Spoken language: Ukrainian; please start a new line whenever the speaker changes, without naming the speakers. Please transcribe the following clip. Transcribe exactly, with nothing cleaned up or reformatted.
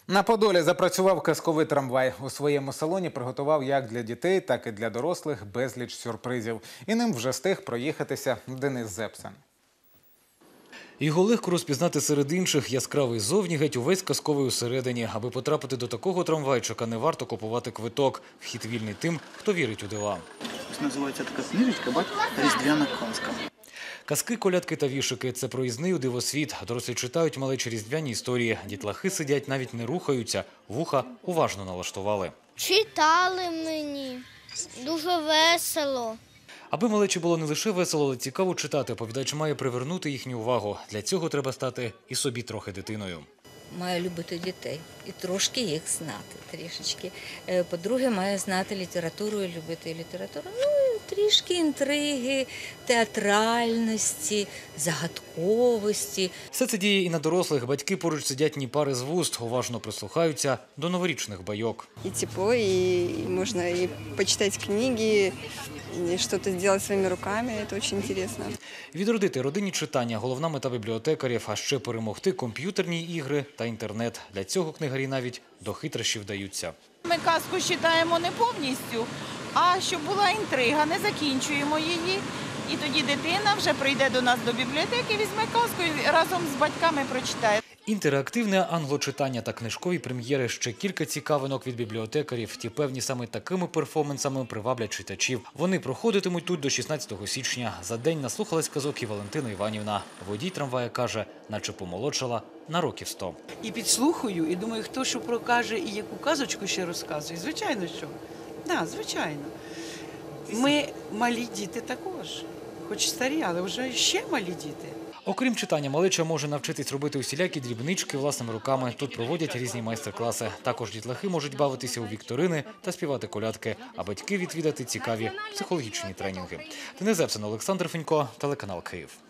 На Подолі запрацював казковий трамвай. У своєму салоні приготував як для дітей, так і для дорослих безліч сюрпризів. І ним вже встиг проїхатися Денис Зепсен.
Його легко розпізнати серед інших. Яскравий зовні, геть увесь казковий усередині. Аби потрапити до такого трамвайчика, не варто купувати квиток. Вхід вільний тим, хто вірить у дива.
Називається така книжечка «Бать різдвяна казка».
Казки, колядки та вішики – це проїзний у дивосвіт. Дорослі читають малечі різдвяні історії. Дітлахи сидять, навіть не рухаються. Вуха уважно налаштували.
Читали мені. Дуже весело.
Аби малечі було не лише весело, але цікаво читати, оповідач має привернути їхню увагу. Для цього треба стати і собі трохи дитиною.
Має любити дітей і трошки їх знати, трішечки. По-друге, має знати літературу і любити літературу. Ну, і трішки інтриги, театральності, загадковості.
Все це діє і на дорослих. Батьки поруч сидять ні пари з вуст, уважно прислухаються до новорічних байок.
И тепло, и можно и почитать книги, и что-то сделать своими руками. Это очень интересно.
Відродити родинні читання – головна мета бібліотекарів, а ще перемогти комп'ютерні ігри та інтернет. Для цього книгарі навіть до хитрощів вдаються.
Ми казку читаємо не повністю, а щоб була інтрига, не закінчуємо її. І тоді дитина вже прийде до нас до бібліотеки, візьме казку і разом з батьками прочитає.
Інтерактивне англочитання та книжкові прем'єри – ще кілька цікавинок від бібліотекарів. Ті певні саме такими перформансами приваблять читачів. Вони проходитимуть тут до шістнадцятого січня. За день наслухалась казок і Валентина Іванівна. Водій трамвая каже, наче помолодшала на років сто.
І підслухаю, і думаю, хто що прокаже і яку казочку ще розказує. Звичайно, що. Так, звичайно. Ми малі діти також. Хоч старі, але вже ще малі діти.
Окрім читання, малеча може навчитись робити усілякі дрібнички власними руками. Тут проводять різні майстер-класи. Також дітлахи можуть бавитися у вікторини та співати колядки, а батьки відвідати цікаві психологічні тренінги. Денис Зепсен, Олександр Фенько, телеканал Київ.